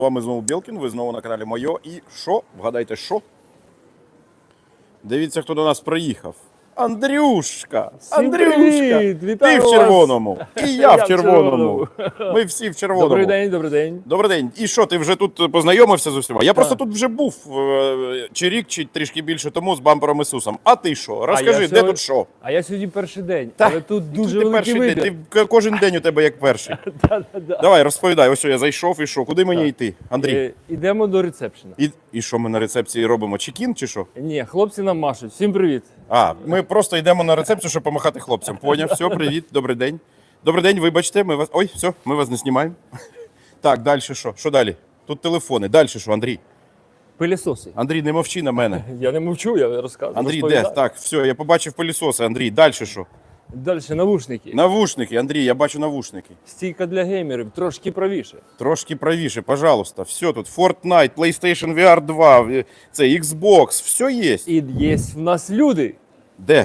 вами знову Білкін, ви знову на каналі Мойо. І що? Вгадайте, що? Дивіться, хто до нас приїхав. Андрюшка! Андрюшка! Привіт! Ти Вітаю в вас! червоному, і я в Я в червоному. червоному. Ми всі в червоному. Добрий день, добрий день. Добрий день. І що, ти вже тут познайомився з усіма? Я просто тут вже був чи рік, чи трішки більше тому з бампером Ісусом. А ти що? Розкажи, де тут що? А я сьогодні перший день, Та, але тут дуже Ти великий перший вибір. день, кожен день у тебе як перший. Давай, розповідай, ось я зайшов і що? Куди мені йти? Андрій, Ідемо до ресепшена. і що ми на рецепції робимо? Чекін чи що? Ні, хлопці нам машуть. Всім привіт. А, ми просто йдемо на рецепцію, щоб помахати хлопцям. Поняв, все, привіт, добрий день. Добрий день, вибачте, ми вас. Ой, все, ми вас не знімаємо. Так, далі що? Що далі? Тут телефони. Далі що, Андрій? Пилісоси. Андрій, не мовчи на мене. Я не мовчу, я розказую. Андрій, де? Так, все, я побачив пилісоси. Андрій, далі що? Далі навушники. Навушники, Андрій, я бачу навушники. Стійка для геймерів, трошки правіше. Трошки правіше, пожалуйста. Все тут. Fortnite, PlayStation VR 2, це Xbox, все є. І є в нас люди. Де?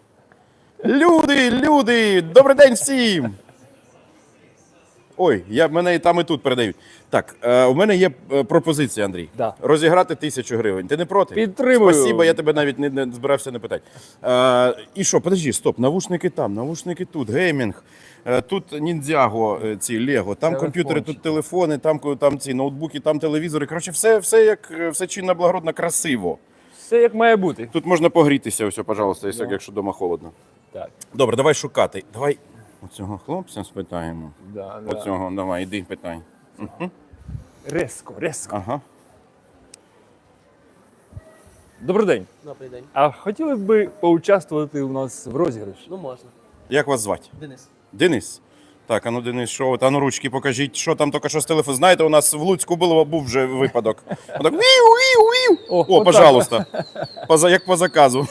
Люди! Добрий день всім! Ой, мене і там, і тут передають. Так, у мене є пропозиція, Андрій. Да. Розіграти 1000 гривень. Ти не проти? Підтримую. Спасибо, я тебе навіть не збирався не питати. І що, подожди, стоп, навушники там, навушники тут, геймінг. Тут ніндзяго, ці Лего, там комп'ютери, тут телефони, там ці ноутбуки, там телевізори. Коротше, все чинно, благородно, красиво. Все як має бути. Тут можна погрітися, ось, пожалуйста, якщо вдома холодно. Так. Добре, давай шукати. Давай оцього хлопця спитаємо. Да. Оцього, давай, іди, питай. Резко. Ага. Добрий день. Добрий день. А хотіли б ви поучаствувати у нас в розіграші? Ну можна. Як вас звати? Денис. Денис? Так, а ну Денис, що? А ну ручки покажіть, що там тільки що з телефону. Знаєте, у нас в Луцьку був вже випадок. Отак, віу. О, отак. пожалуйста. Як по заказу.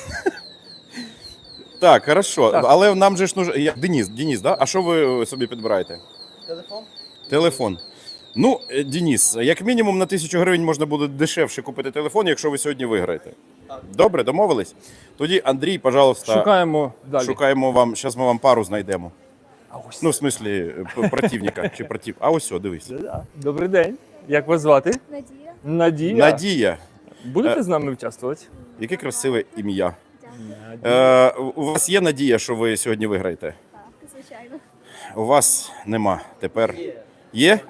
Так, хорошо. Так. Але нам же ж нужно... Денис, да? А що ви собі підбираєте? Телефон? Телефон. Ну, Денис, як мінімум на 1000 гривень можна буде дешевше купити телефон, якщо ви сьогодні виграєте. Так. Добре, домовились? Тоді, Андрій, пожалуйста, Шукаємо далі. шукаємо вам, зараз ми вам пару знайдемо. А ось. Ну, в смислі, противника чи против. А ось, о, дивись. Да. Добрий день. Як вас звати? Надія. Надія. Надія. Будете з нами участвувати? Яке красиве ім'я. Дякую. У вас є надія, що ви сьогодні виграєте? Так, звичайно. У вас нема. Тепер є?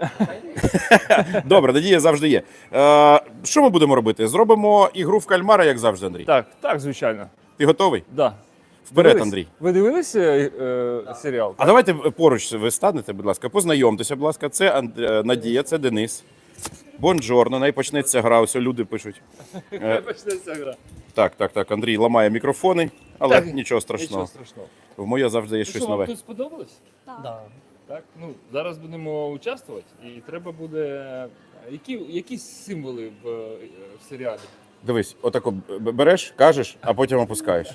Добре, надія завжди є. Що ми будемо робити? Зробимо ігру в кальмара, як завжди, Андрій. Так, звичайно. Ти готовий? Да. Вперед, Дивились? Андрій. Ви дивилися серіал? А давайте поруч ви станете, будь ласка, познайомтеся, будь ласка. Це Надія, це Денис. Бонжорно, най почнеться гра, ось люди пишуть. Почнеться гра. Так, Андрій ламає мікрофони, але Так, нічого страшного. Нічого страшного. В моє завжди є щось Що, вам нове. тут сподобалось? Так. Да. Так, ну зараз будемо участвувати, і треба буде. Які символи в серіалі? Дивись, отако береш, кажеш, а потім опускаєш.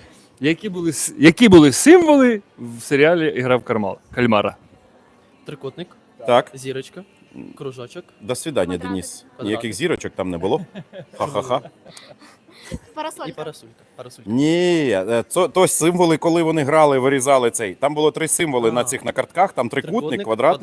Які були символи в серіалі Ігра в кальмара? Трикутник, Так, зірочка, кружочок. до свидання, Квадратик. Денис. Ніяких зірочок там не було. Ха-ха-ха. І Парасолька. парасолька. Ні, то символи, коли вони грали, вирізали цей. Там було 3 символи на картках, там трикутник, Трикутник,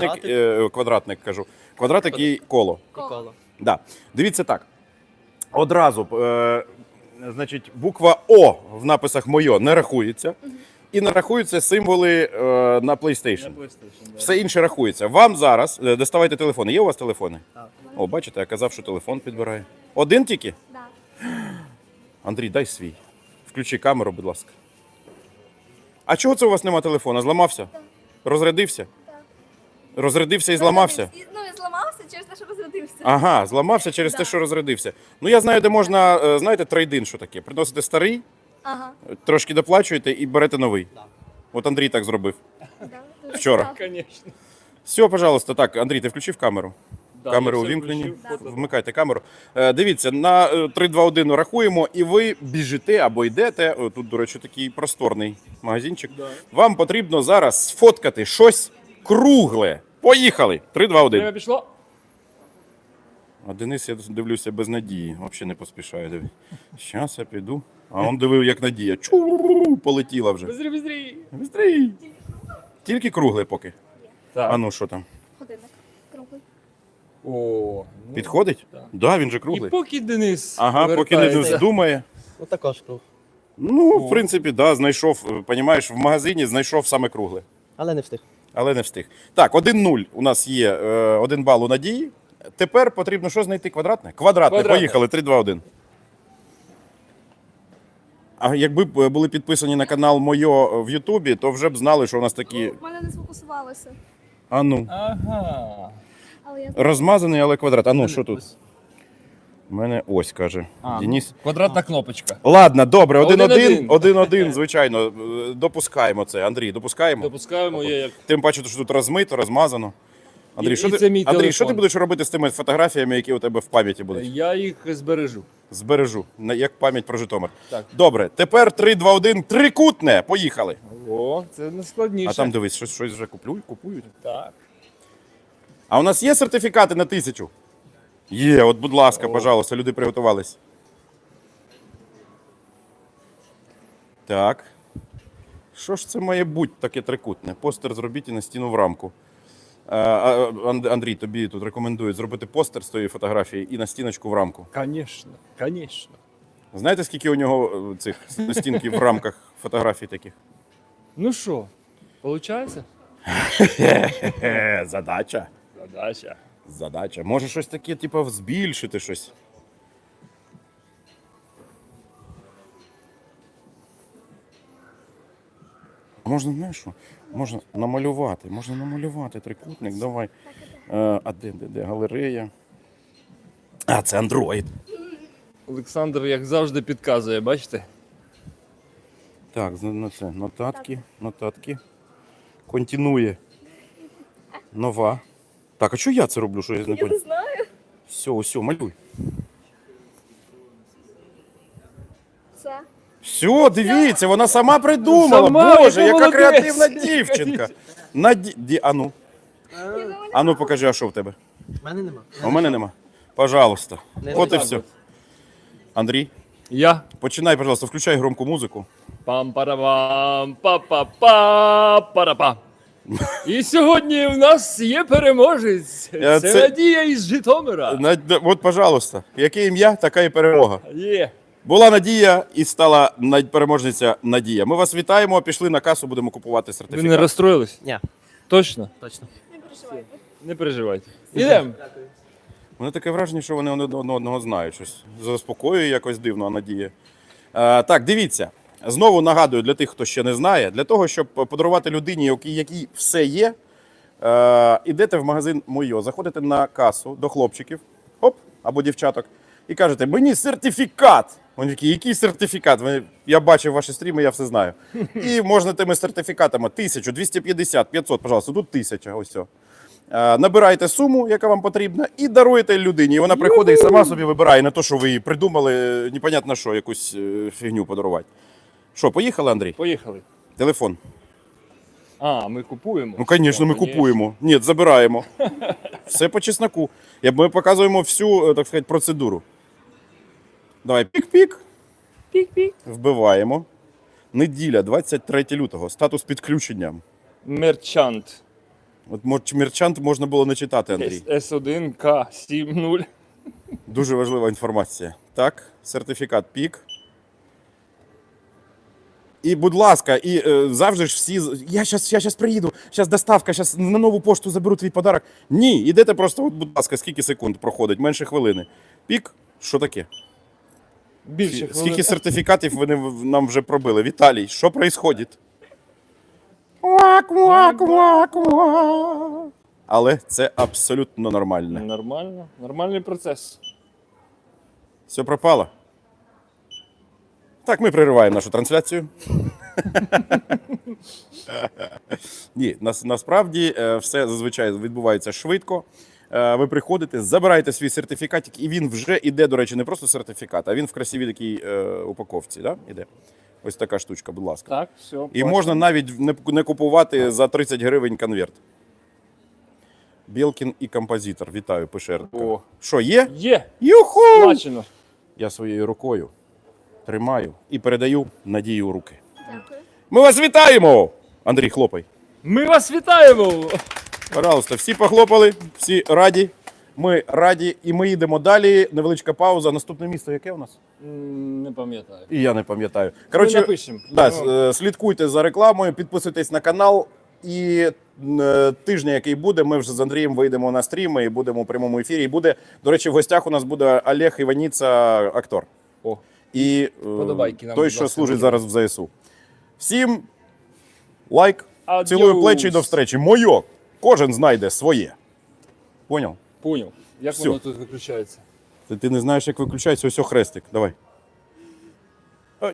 квадратник і коло. І коло. Да. Дивіться так. Одразу, значить, буква О в написах «Мойо» не рахується. І не рахуються символи на PlayStation. Все інше рахується. Вам зараз, доставайте телефони. Є у вас телефони? Так. О, бачите, я казав, що телефон підбирає. Один тільки? Да. Андрій, дай свій. Включи камеру, будь ласка. А чого це у вас нема телефона? Зламався? Розрядився? Так. Розрядився і зламався? Ну, і зламався через те, що розрядився. Ага, зламався через те, Да. що розрядився. Ну, я знаю, де можна, знаєте, трейдин, що таке. Приносите старий, Ага. трошки доплачуєте і берете новий. Да. От Андрій так зробив. Да, дуже Вчора. цікаво. Звісно. Все, пожалуйста, так, Андрій, ти включив камеру? Камери увімкнені. Вмикайте камеру. Дивіться, на 3, 2, 1 рахуємо, і ви біжите або йдете. О, тут, до речі, такий просторний магазинчик. Да. Вам потрібно зараз сфоткати щось кругле. Поїхали! 3, 2, 1. Время пішло? А Денис, я дивлюся, без надії. Взагалі не поспішаю. Диви. Щас я піду. А он дивив, як надія. Чу, полетіла вже. Бистрій. Бистрій. Тільки кругле поки. Так. А ну, що там? Годинник. Круглий. О, ну, Підходить? так. Да, він же І круглий. поки Денис Ага, поки не повертається. думає. Ну також круг. Ну, О. в принципі, да, знайшов, понімаєш, в магазині знайшов саме кругле. Але не встиг. Але не встиг. Так, 1-0 у нас є 1 бал у Надії. Тепер потрібно що знайти? Квадратне? Квадратне. Квадратне. Поїхали. 3-2-1. А якби б були підписані на канал Мойо в Ютубі, то вже б знали, що у нас такі. У мене не сфокусувалося. А ну. Ага. Але я Розмазаний, але квадрат. А ну, що тут? Ось. У мене ось каже. Денис. Квадратна кнопочка. Ладно, добре, 1-1. 1-1. 1-1, звичайно. Допускаємо це. Андрій, допускаємо? Допускаємо, я як Тим паче, що тут розмито, розмазано. Андрій, І що це ти, мій Андрій, що ти телефон. будеш робити з тими фотографіями, які у тебе в пам'яті будуть? я їх збережу. Збережу, як пам'ять про Житомир. Так. Добре, тепер 3-2-1, трикутне. Поїхали. О, це не складніше. А там дивись, щось вже купують. Так. А у нас є сертифікати на 1000? Є, от, будь ласка, О. пожалуйста, люди приготувались. Так. Що ж це має бути таке трикутне? Постер зробіть і на стіну в рамку. Андрій, тобі тут рекомендують зробити постер з тої фотографії і на стіночку в рамку. Конечно, конечно. Знаєте, скільки у нього цих стінків в рамках фотографій таких? Ну що, получається? Задача. Задача. Задача. Може щось таке, типу, збільшити щось. Можна, знаєш що? Можна намалювати трикутник, давай. А де галерея? А, це Android. Олександр, як завжди, підказує, бачите? Так, на це нотатки. Континує. Нова. Так, а що я це роблю? Що я не не понял? знаю. Все, малюй. Це. Все, дивіться, вона сама придумала. Сама, Боже, яка яка молодець. креативна дівчинка. Ану, покажи, а що в тебе? У мене нема. А у мене нема. Пожалуйста. Не От і так все. от. Андрій, Я. починай, пожалуйста, включай громку музику. Пам-парабам, па-па-па-па-па. І сьогодні в нас є переможець. Це Це- Надія із Житомира. От, пожалуйста, яке ім'я, така і перемога. Є. Була Надія і стала переможниця Надія. Ми вас вітаємо, пішли на касу, будемо купувати Ви сертифікат. не розстроїлись? Ні, Точно? точно. Не переживайте. Не переживайте. Ідемо. У мене таке враження, що вони один одного знають. Щось заспокоює якось дивно, а Надія. Так, дивіться. Знову нагадую для тих, хто ще не знає, для того, щоб подарувати людині, якій все є, ідете в магазин Мойо, заходите на касу до хлопчиків, хоп, або дівчаток, і кажете, мені сертифікат. Вони такі, який сертифікат? Я бачив ваші стріми, я все знаю. І можна тими сертифікатами 1000, 250, 500, пожалуйста, тут 1000, ось все. Набираєте суму, яка вам потрібна, і даруєте людині. І вона приходить і сама собі вибирає, не то, що ви їй придумали, непонятно що, якусь фігню подарувати. Що, поїхали, Андрій? Поїхали. Телефон. А, ми купуємо. Ну, звісно, ми купуємо. Ні, забираємо. Все по чесноку. Ми показуємо всю, так сказати, процедуру. Давай, пік-пік. Пік-пік. Вбиваємо. Неділя, 23 лютого. Статус підключення. Мерчант. От мерчант можна було не читати, Андрій. С1К70. Дуже важлива інформація. Так, сертифікат пік. І, будь ласка, і завжди ж всі. Я щас приїду, зараз доставка, зараз на нову пошту заберу твій подарок. Ні, ідете просто, от, будь ласка, скільки секунд проходить, менше хвилини. Пік, що таке? Більше Скільки сертифікатів вони нам вже пробили? Віталій, що відбувається? Але це абсолютно нормально. Нормально. Нормальний процес. Все пропало? Так, ми перериваємо нашу трансляцію. Ні, насправді все зазвичай відбувається швидко. Ви приходите, забираєте свій сертифікатик, і він вже іде, до речі, не просто сертифікат, а він в красивій такій упаковці. Да? Іде. Ось така штучка, будь ласка. Так, все. І можна навіть не купувати за 30 гривень конверт. Білкін і композитор. Вітаю, Пишерка. О. Що, є? Є. Юху! Смачено. Я своєю рукою тримаю і передаю Надію у руки. Дякую. Ми вас вітаємо! Андрій, хлопай. Ми вас вітаємо! Пожалуйста, всі похлопали, всі раді. Ми раді і ми їдемо далі. Невеличка пауза. Наступне місто яке у нас? Не пам'ятаю. І я не пам'ятаю. Ми Коротше, напишемо. да, слідкуйте за рекламою, підписуйтесь на канал. І тижня, який буде, ми вже з Андрієм вийдемо на стріми і будемо у прямому ефірі. І буде, до речі, в гостях у нас буде Олег Іваніца, актор. О, І Подобайки нам, той, будь що ласка, служить дуже. зараз в ЗСУ. Всім лайк, Адьос. цілую плечі і до встречі. Моє. Кожен знайде своє. Поняв? поняв. Як Всьо. воно тут виключається? Ти не знаєш, як виключається, ось хрестик. Давай.